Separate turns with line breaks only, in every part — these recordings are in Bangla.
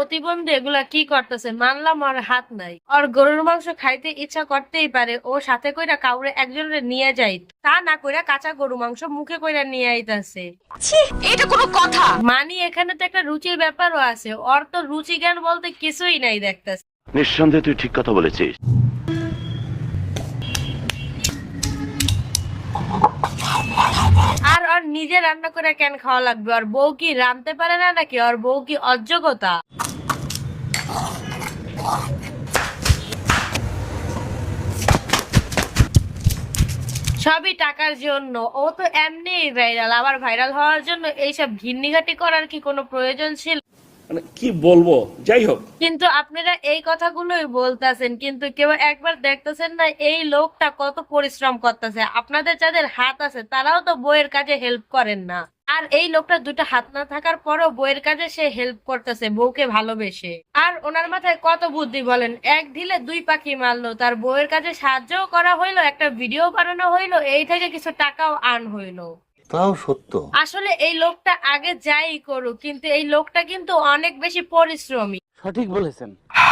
প্রতিবন্ধী এগুলা কি করতেছে? মানলাম ওর হাত নাই, ওর গরুর মাংস খাইতে ইচ্ছা করতেই পারে, ও সাথে কইরা কাউরে একজনের নিয়ে যাইত, তা না কইরা কাঁচা গরু মাংস মুখে কইরা নিয়ে আইতাছে।
এটা কোনো কথা?
মানি এখানে তো একটা রুচির ব্যাপারও আছে, ওর তো রুচি জ্ঞান বলতে কিছুই নাই দেখতেছে।
নিঃসন্দেহে তুই ঠিক কথা বলেছিস।
আর ওর নিজে রান্না করে কেন খাওয়া লাগবে? ওর বউ কি রাঁধতে পারে না নাকি? ওর বউ কি অযোগ্যতা? সবই টাকার জন্য। ও তো এমনি ভাইরাল, আবার ভাইরাল হওয়ার জন্য এইসব ঘিন্নিঘাটি করার কি কোনো প্রয়োজন ছিল?
মানে কি বলবো, যাই হোক।
কিন্তু আপনারা এই কথাগুলোই বলতেছেন, কিন্তু কেউ একবার দেখতেছেন না এই লোকটা কত পরিশ্রম করতেছে। আপনাদের যাদের হাত আছে তারাও তো বইয়ের কাজে হেল্প করেন না, আর এই লোকটা দুটো হাত না থাকার পরও বইয়ের কাজে সে হেল্প করতেছে বউকে ভালোবেসে। আর ওনার মাথায় কত বুদ্ধি বলেন, এক ঢিলে দুই পাখি মারলো, তার বউয়ের কাজে সাহায্যও করা হইলো, একটা ভিডিও বানানো হইলো, এই থেকে কিছু টাকাও আর্ন হইলো।
তাও সত্য।
আসলে এই লোকটা আগে যাই করুক, কিন্তু এই লোকটা কিন্তু অনেক বেশি পরিশ্রমী।
সঠিক বলেছেন।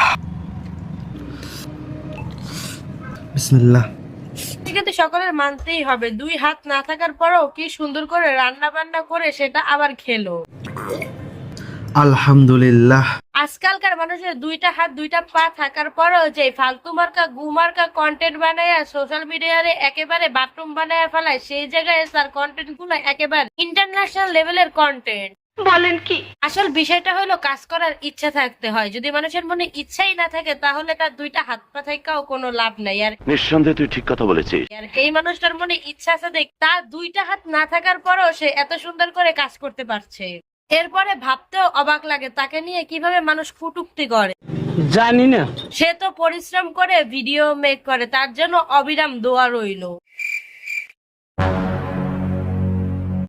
বিসমিল্লাহ।
কিন্তু সকলের মানতেই হবে, দুই হাত না থাকার পরেও কি সুন্দর করে রান্না বান্না করে সেটা আবার খেলো।
আলহামদুলিল্লাহ।
আজকালকার মানুষের দুইটা হাত দুইটা পা থাকার পরেও যে ফালতু মার্কা গুমার্কা কন্টেন্ট বানায় সোশ্যাল মিডিয়ারে একেবারে বাথরুম বানায় ফেলায়, সেই জায়গায় তার কন্টেন্ট গুলো একেবারে ইন্টারন্যাশনাল লেভেলের কন্টেন্ট।
বলেন কি?
আসল বিষয়টা হলো কাজ করার ইচ্ছা থাকতে হয়। যদি মানুষের মনে ইচ্ছাই না থাকে তাহলে তার দুইটা হাত পা থাকাও কোনো লাভ নাই। আর
নিঃসন্দেহে তুই ঠিক কথা বলেছিস।
এই মানুষটার মনে ইচ্ছা আছে দেখ, তার দুইটা হাত না থাকার পরেও সে এত সুন্দর করে কাজ করতে পারছে। এরপরে ভাবতেও অবাক লাগে তাকে নিয়ে কিভাবে মানুষ কটূক্তি করে।
জানি না।
সে তো পরিশ্রম করে ভিডিও মেক করে, তার জন্য অবিরাম দোয়া রইলো।